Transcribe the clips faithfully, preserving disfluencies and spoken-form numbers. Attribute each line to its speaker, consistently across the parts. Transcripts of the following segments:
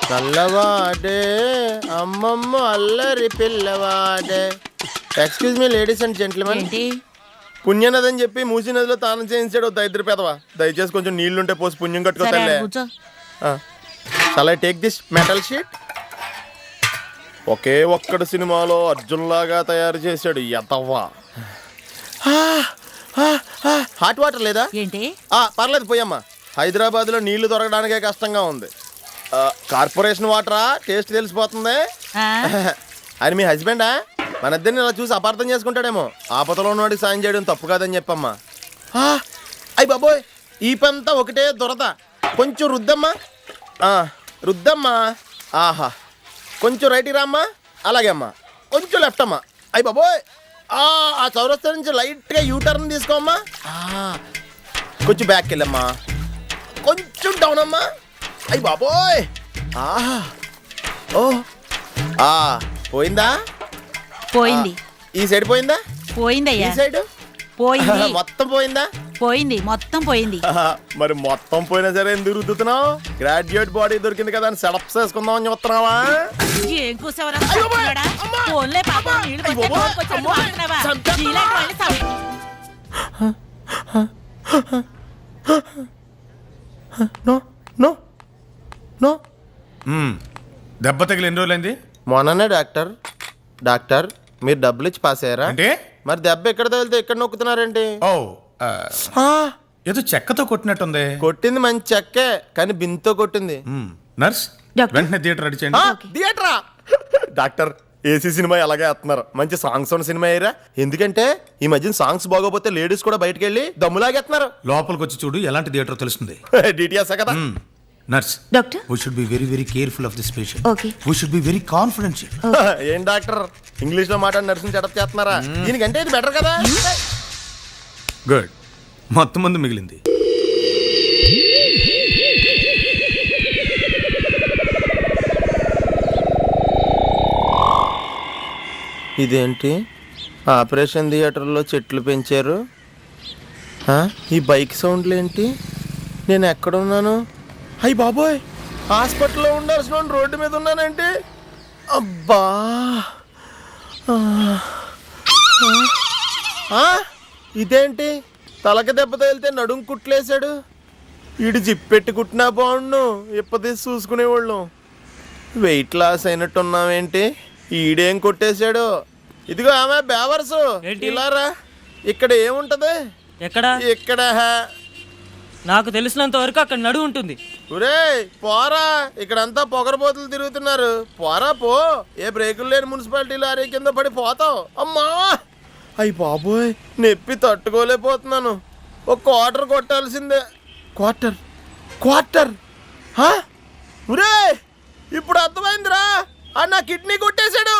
Speaker 1: నల్లవాడే అమ్మమ్మ అల్లరి పిల్లవాడే. Excuse me ladies and gentlemen. పుణ్యనది అని చెప్పి మూసీ నదిలో తానం చేయించాడు దరిద్ర పెదవా. దయచేసి కొంచెం నీళ్లుంటే పోసి పుణ్యం కట్టుకోలే. Shall I take this metal sheet? ఒకే ఒక్కడు సినిమాలో అర్జున్ లాగా తయారు చేశాడు ఎతవ్వా. హాట్ వాటర్ లేదా?
Speaker 2: ఏంటి?
Speaker 1: పర్లేదు పోయమ్మా. హైదరాబాద్ లో నీళ్లు దొరకడానికే కష్టంగా ఉంది. కార్పొరేషన్ వాటరా? టేస్ట్ తెలిసిపోతుంది. ఆయన మీ హస్బెండా? మన ఇద్దరిని ఇలా చూసి అపార్థం చేసుకుంటాడేమో. ఆపదలో ఉన్నవాడికి సాయం చేయడం తప్పు కాదని చెప్పమ్మా. అయ్యి బాబోయ్, ఈ పంతా ఒకటే దొరద. కొంచెం రుద్దమ్మా, రుద్దమ్మా. ఆహా, కొంచెం రైట్కి రామ్మా. అలాగే అమ్మా, కొంచెం లెఫ్ట్ అమ్మా. అయ్యి బాబోయ్, ఆ చౌరస్తా నుంచి లైట్గా యూటర్న్ తీసుకోమ్మా. కొంచెం బ్యాక్కి వెళ్ళమ్మా, కొంచెం డౌన్ అమ్మా. అయ్యి బాబోయ్, ఆహా, ఓ పోయిందా?
Speaker 2: పోయింది.
Speaker 1: ఈ సైడ్ పోయిందా?
Speaker 2: పోయిందయ్యా.
Speaker 1: ఈ సైడ్
Speaker 2: పోయింది.
Speaker 1: మొత్తం పోయిందా?
Speaker 2: పోయింది, మొత్తం పోయింది.
Speaker 1: మరి మొత్తం పోయినా సరే ఎందుకు రుద్దుతున్నావు? గ్రాడ్యుయేట్ బాడీ దొరికింది కదా అని సెటప్ చేసుకుందాం అని చెప్తున్నావా?
Speaker 2: ఏం కూసావరా? ఫోన్లే పాపం, నీళ్ళు పోతే కోరుకొచ్చాడు వాడుతున్నావా? నీలాంటి వాళ్ళని సవ-
Speaker 1: నో నో నో.
Speaker 3: దెబ్బ తగిలి ఎన్ని రోజులైంది?
Speaker 1: మొన్ననే డాక్టర్. డాక్టర్ మీరు డబ్బులు ఇచ్చి పాస్ అయ్యారా?
Speaker 3: అంటే
Speaker 1: మరి దెబ్బ ఎక్కడ తగిలితే ఎక్కడ నొక్కుతున్నారేంటి?
Speaker 3: ఓ ఏదో చెక్కతో కొట్టినట్టుంది.
Speaker 1: కొట్టింది మంచి చెక్కే, కానీ బింతో కొట్టింది.
Speaker 3: నర్స్ వెంటనే థియేటర్ రెడీ చేయండి.
Speaker 1: థియేటరా? డాక్టర్ ఏసీ సినిమా ఎలాగే వేస్తున్నారు. మంచి సాంగ్స్ ఉన్న సినిమా అయ్యారా? ఎందుకంటే ఈ మధ్యన సాంగ్స్ బాగోపోతే లేడీస్ కూడా బయటకు వెళ్ళి దమ్ములాగేస్తున్నారు.
Speaker 3: లోపలికి వచ్చి చూడు ఎలాంటి థియేటర్ తెలుస్తుంది.
Speaker 1: డిటిఎస్ కదా.
Speaker 3: Nurse
Speaker 2: doctor,
Speaker 3: we should be very very careful of this patient.
Speaker 2: Okay.
Speaker 3: We should be very confidential.
Speaker 1: ఏం డాక్టర్ ఇంగ్లీష్ లో మాట్లాడి నర్సింగ్ సెటప్ చేస్తున్నారా? దీనికంటే ఇది బెటర్ కదా.
Speaker 3: గుడ్, మొత్తం మంది మిగిలింది.
Speaker 1: ఇదేంటి ఆపరేషన్ థియేటర్లో చెట్లు పెంచారు? ఈ బైక్ సౌండ్లు ఏంటి? నేను ఎక్కడున్నాను? అయ్యి బాబోయ్, హాస్పిటల్లో ఉండాల్సిన రోడ్డు మీద ఉన్నానంటే. అబ్బా, ఇదేంటి తలక దెబ్బ తగిలితే నడుం కుట్లేశాడు. ఈడు జిప్పెట్టి కుట్టినా బాగుండు, ఇప్పదీసి చూసుకునేవాళ్ళు. Weight loss అయినట్టున్నావేంటి? ఈడేం కొట్టేశాడు? ఇదిగో ఆమె బేవర్సు, ఇలారా. ఇక్కడ ఏముంటది?
Speaker 4: ఎక్కడ?
Speaker 1: ఇక్కడ
Speaker 4: నాకు తెలిసినంత వరకు అక్కడ నడు ఉంటుంది.
Speaker 1: ఒరే పోరా, ఇక్కడంతా పొగరబోతులు తిరుగుతున్నారు. పోరా పో, ఏ బ్రేకులు లేని మున్సిపాలిటీ లారీ కింద పడి పోతావు. అమ్మా, అయ్యి బాబోయ్, నొప్పి తట్టుకోలేకపోతున్నాను. ఒక క్వార్టర్ కొట్టాల్సిందే. క్వార్టర్ క్వార్టర్ ఒరే, ఇప్పుడు అర్థమైందిరా. ఆ నా కిడ్నీ కొట్టేశాడు.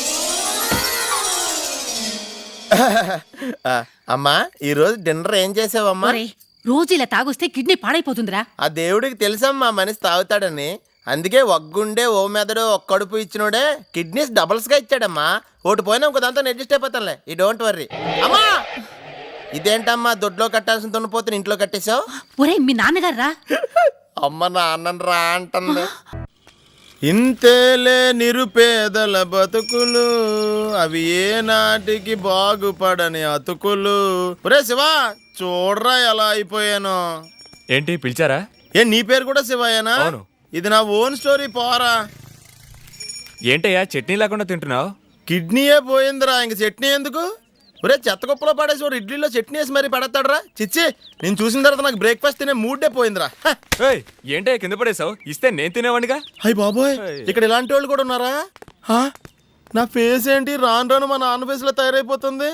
Speaker 1: అమ్మా, ఈరోజు డిన్నర్ ఏం చేసావమ్మా?
Speaker 2: రోజు ఇలా తాగొస్తే కిడ్నీ పాడైపోతుందిరా.
Speaker 1: ఆ దేవుడికి తెలుసమ్మా మనిషి తాగుతాడని. అందుకే ఒగ్గుండే ఓ మెదడు ఒక్క కడుపు ఇచ్చినోడే కిడ్నీస్ డబల్స్ గా ఇచ్చాడమ్మా. ఒకటి పోయినా ఇంకో దాంతో అడ్జస్ట్ అయిపోతానులే. ఈ డోంట్ వర్రీ. అమ్మా, ఇదేంటమ్మా దొడ్లో కట్టాల్సిన దున్నపోతుని ఇంట్లో కట్టేశావు?
Speaker 2: ఒరే మీ నాన్నగారు రా.
Speaker 1: అమ్మ నాన్నని రా అంటుంది. ఇంతేలే నిరుపేదల బతుకులు, అవి ఏ నాటికి బాగుపడని అతుకులు. ఒరే శివ, చూడరా ఎలా అయిపోయాను.
Speaker 5: ఏంటి పిలిచారా?
Speaker 1: ఏ నీ పేరు కూడా శివయ్యనా? ఇది నా ఓన్ స్టోరీ. పోరా.
Speaker 5: ఏంటయ్యా చట్నీ లేకుండా తింటున్నావు?
Speaker 1: కిడ్నీయే పోయిందిరా, ఇంక చట్నీ ఎందుకు? ఒరే చెత్త కుప్పలో పడేసి వాడు ఇడ్లీలో చట్నీ వేసి మరీ పడతాడరా. చిచ్చి, నేను చూసిన తర్వాత నాకు బ్రేక్ఫాస్ట్ తినే మూడే పోయిందిరా.
Speaker 5: ఏంటయ్యా కింద పడేసావు? ఇస్తే నేను తినేవాడిగా.
Speaker 1: అయ్యి బాబోయ్, ఇక్కడ ఇలాంటి వాళ్ళు కూడా ఉన్నారా? నా ఫేస్ ఏంటి రాను రాను మా నాన్న ఫేస్ లో తయారైపోతుంది.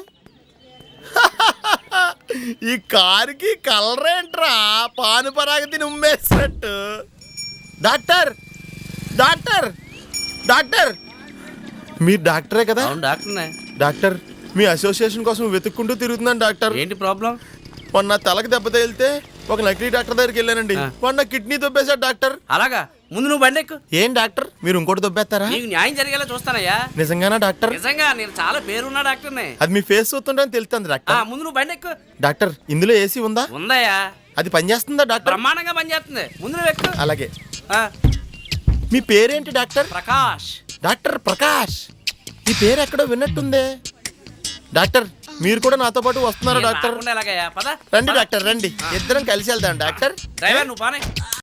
Speaker 1: ఈ కారుకి కలర్ ఏంట్రా, పాను పరాగ తిని ఉమ్మేసినట్టు. డాక్టర్ డాక్టర్ డాక్టర్ మీరు డాక్టరే కదా?
Speaker 6: డాక్టర్నే.
Speaker 1: డాక్టర్, మీ అసోసియేషన్ కోసం వెతుక్కుంటూ తిరుగుతున్నాను డాక్టర్.
Speaker 6: ఏంటి ప్రాబ్లం?
Speaker 1: మొన్న తలకు దెబ్బ తగిలితే ఒక నకిలీ డాక్టర్ దగ్గరికి వెళ్ళానండి. మొన్న కిడ్నీ దొబ్బేశాడు డాక్టర్.
Speaker 6: అలాగా? ముందు నువ్వు బండి ఎక్కు.
Speaker 1: ఏం డాక్టర్, మీరు ఇంకోటి దొబ్బేస్తారా?
Speaker 6: నీకు న్యాయం జరిగేలా చూస్తానయ్యా.
Speaker 1: నిజంగానా డాక్టర్?
Speaker 6: నిజంగా, నేను చాలా పేరున్నా డాక్టర్నే.
Speaker 1: అది మీ ఫేస్ చూస్తుంటే తెలుస్తుంది డాక్టర్.
Speaker 6: ముందు నువ్వు బండి ఎక్కు.
Speaker 1: డాక్టర్, ఇందులో ఏసీ ఉందా?
Speaker 6: ఉందయ్యా.
Speaker 1: అది పనిచేస్తుందా డాక్టర్?
Speaker 6: బ్రహ్మాండంగా పనిచేస్తుంది. ముందు నువ్వు ఎక్కు.
Speaker 1: అలాగే. మీ పేరేంటి డాక్టర్?
Speaker 6: ప్రకాష్.
Speaker 1: డాక్టర్ ప్రకాష్. ఈ పేరు ఎక్కడో విన్నట్టుందే. డాక్టర్ మీరు కూడా నాతో పాటు వస్తున్నారా
Speaker 6: నేను
Speaker 1: డాక్టర్?
Speaker 6: రాకుండా ఎలాగయ్యా? పద
Speaker 1: రండి డాక్టర్ రండి, ఇద్దరం కలిసి వెళ్దాం డాక్టర్.
Speaker 6: డ్రైవర్ నువ్వు బానే